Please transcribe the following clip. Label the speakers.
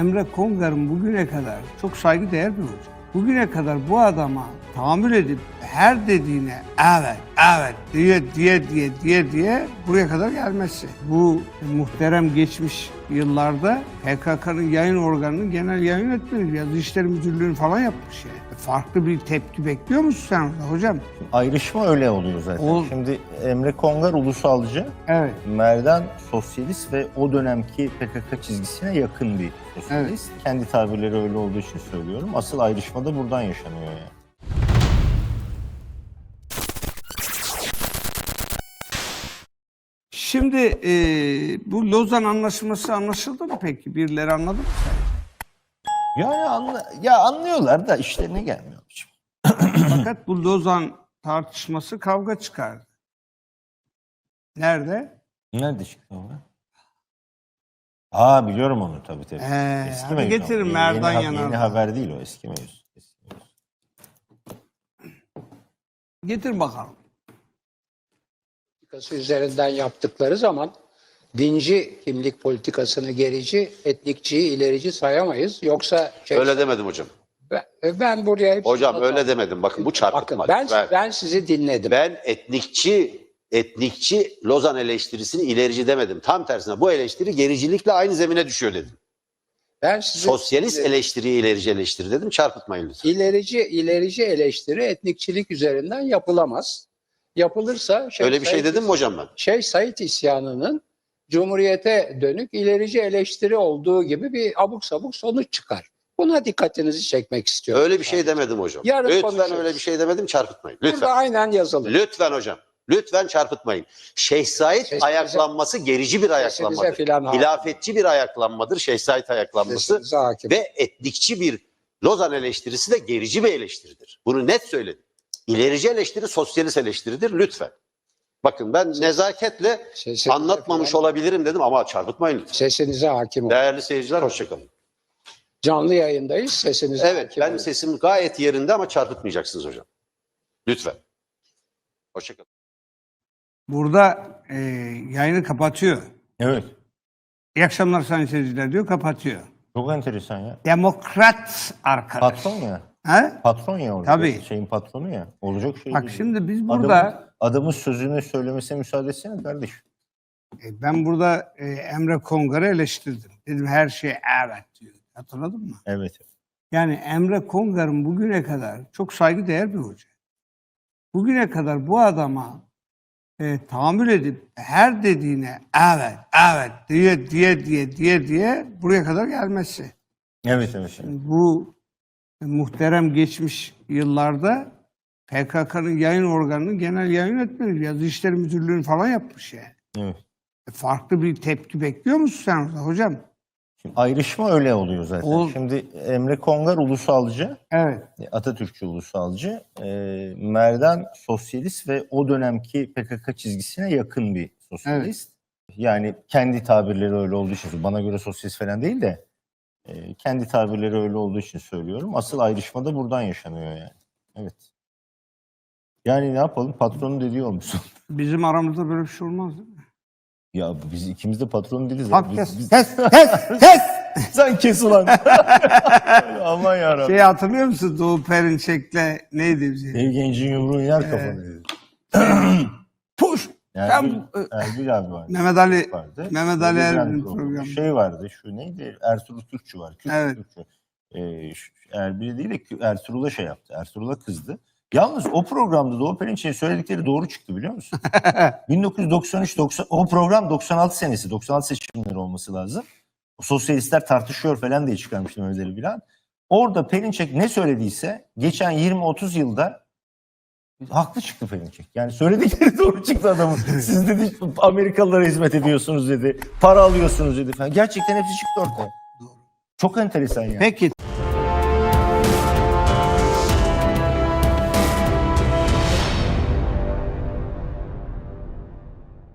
Speaker 1: Emre Kongar'ın bugüne kadar çok saygıdeğer bir hoca. Bugüne kadar bu adama tahammül edip her dediğine evet diye buraya kadar gelmesi. Bu muhterem geçmiş yıllarda PKK'nın yayın organının genel yayın yönetmeni, yazı işleri müdürlüğünü falan yapmış yani. Farklı bir tepki bekliyor musun sen orada hocam?
Speaker 2: Ayrışma öyle oluyor zaten. Şimdi Emre Kongar ulusalcı,
Speaker 1: Evet.
Speaker 2: Merdan sosyalist ve o dönemki PKK çizgisine yakın bir sosyalist. Evet. Kendi tabirleri öyle olduğu için söylüyorum. Asıl ayrışma da buradan yaşanıyor yani.
Speaker 1: Şimdi bu Lozan Anlaşması anlaşıldı mı peki? Birileri anladı mı sence?
Speaker 2: Ya anlıyorlar da işlerine gelmiyor.
Speaker 1: Fakat bu Lozan tartışması kavga çıkardı. Nerede?
Speaker 2: Nerede çıktı o? Biliyorum onu tabii. Eski mevzu.
Speaker 1: Getirin Merdan Yanardağ.
Speaker 2: Yeni haber değil o, eski mevzu.
Speaker 1: Getir bakalım.
Speaker 3: Politikası üzerinden yaptıkları zaman dinci kimlik politikasını gerici, etnikçiyi ilerici sayamayız. Yoksa
Speaker 4: öyle demedim hocam.
Speaker 3: Ben buraya hep
Speaker 4: hocam öyle demedim. Bakın bu çarpıtma.
Speaker 3: Bakın ben sizi dinledim.
Speaker 4: Ben etnikçi Lozan eleştirisini ilerici demedim. Tam tersine bu eleştiri gericilikle aynı zemine düşüyor dedim.
Speaker 3: Ben sizi
Speaker 4: Sosyalist eleştiriyi ilerici eleştiri dedim. Çarpıtmayın lütfen.
Speaker 3: İlerici eleştiri etnikçilik üzerinden yapılamaz. Yapılırsa
Speaker 4: öyle bir şey dedim mi hocam ben?
Speaker 3: Şeyh Said isyanının Cumhuriyete dönük ilerici eleştiri olduğu gibi bir abuk sabuk sonuç çıkar. Buna dikkatinizi çekmek istiyorum.
Speaker 4: Öyle bir şey demedim hocam.
Speaker 3: Yarın
Speaker 4: lütfen
Speaker 3: konuşuruz.
Speaker 4: öyle bir şey demedim, çarpıtmayın. Lütfen.
Speaker 3: Burada aynen yazılı.
Speaker 4: Lütfen hocam. Lütfen çarpıtmayın. Şeyh Said ayaklanması gerici bir ayaklanmadır. Hilafetçi bir ayaklanmadır Şeyh Said ayaklanması. Ve etnikçi bir Lozan eleştirisi de gerici bir eleştiridir. Bunu net söyledim. İlerici eleştiri sosyalist eleştiridir lütfen. Bakın ben nezaketle anlatmamış olabilirim dedim ama çarpıtmayın lütfen.
Speaker 3: Sesinize hakim olun.
Speaker 4: Değerli seyirciler hoşçakalın.
Speaker 3: Canlı yayındayız. Sesinize hakim olun.
Speaker 4: Sesim gayet yerinde ama çarpıtmayacaksınız hocam. Lütfen. Hoşçakalın.
Speaker 1: Burada yayını kapatıyor.
Speaker 2: Evet.
Speaker 1: İyi akşamlar sayın seyirciler diyor, kapatıyor.
Speaker 2: Çok enteresan ya.
Speaker 1: Demokrat arkadaş.
Speaker 2: Patron ya.
Speaker 1: He?
Speaker 2: Patron ya orada.
Speaker 1: Tabii.
Speaker 2: Şeyin patronu ya. Olacak şey
Speaker 1: Bak
Speaker 2: değil.
Speaker 1: şimdi biz burada...
Speaker 2: Adamın sözünü söylemesine müsaade etsene kardeşim.
Speaker 1: Ben burada Emre Kongar'ı eleştirdim. Dedim her şey evet diyor. Hatırladın mı?
Speaker 2: Evet.
Speaker 1: Yani Emre Kongar'ın bugüne kadar çok saygıdeğer bir hoca. Bugüne kadar bu adama tahammül edip her dediğine evet diye buraya kadar gelmesi.
Speaker 2: Evet.
Speaker 1: Bu muhterem geçmiş yıllarda PKK'nın yayın organının genel yayın yönetmeni, yazı işleri müdürlüğünü falan yapmış yani.
Speaker 2: Evet.
Speaker 1: Farklı bir tepki bekliyor musun sen orada hocam?
Speaker 2: Şimdi ayrışma öyle oluyor zaten. Şimdi Emre Kongar ulusalcı,
Speaker 1: evet.
Speaker 2: Atatürkçü ulusalcı, Merdan sosyalist ve o dönemki PKK çizgisine yakın bir sosyalist. Evet. Yani kendi tabirleri öyle olduğu için, bana göre sosyalist falan değil de kendi tabirleri öyle olduğu için söylüyorum. Asıl ayrışma da buradan yaşanıyor yani. Evet. Yani ne yapalım? Patronun dediği olmuş.
Speaker 1: Bizim aramızda böyle bir şey olmaz değil mi?
Speaker 2: Ya biz ikimiz de patron değiliz.
Speaker 1: Bak kes.
Speaker 2: Sen kes ulan. Aman yarabbim.
Speaker 1: Hatırlıyor musun? Doğu Perinçek'le neydi bize?
Speaker 2: Dev gencin yumruğun yer kafanı.
Speaker 1: Puş.
Speaker 2: Erbil abi vardı.
Speaker 1: Mehmet Ali
Speaker 2: vardı.
Speaker 1: Erbil'in programı.
Speaker 2: Şey vardı, şu neydi? Ertuğrul Türkçü var.
Speaker 1: Evet.
Speaker 2: Erbil değil de Ertuğrul'a şey yaptı. Ertuğrul'a kızdı. Yalnız o programda Doğu Perinçek'in söyledikleri doğru çıktı biliyor musun? 1993-90 o program 96 senesi. 96 seçimleri olması lazım. O sosyalistler tartışıyor falan diye çıkarmıştım Özel'i bilen. Orada Perinçek ne söylediyse geçen 20-30 yılda haklı çıktı Perinçek. Yani söyledikleri doğru çıktı adamın. Siz dedi Amerikalılara hizmet ediyorsunuz dedi. Para alıyorsunuz dedi falan. Gerçekten hepsi çıktı ortaya. Çok enteresan yani.
Speaker 1: Peki.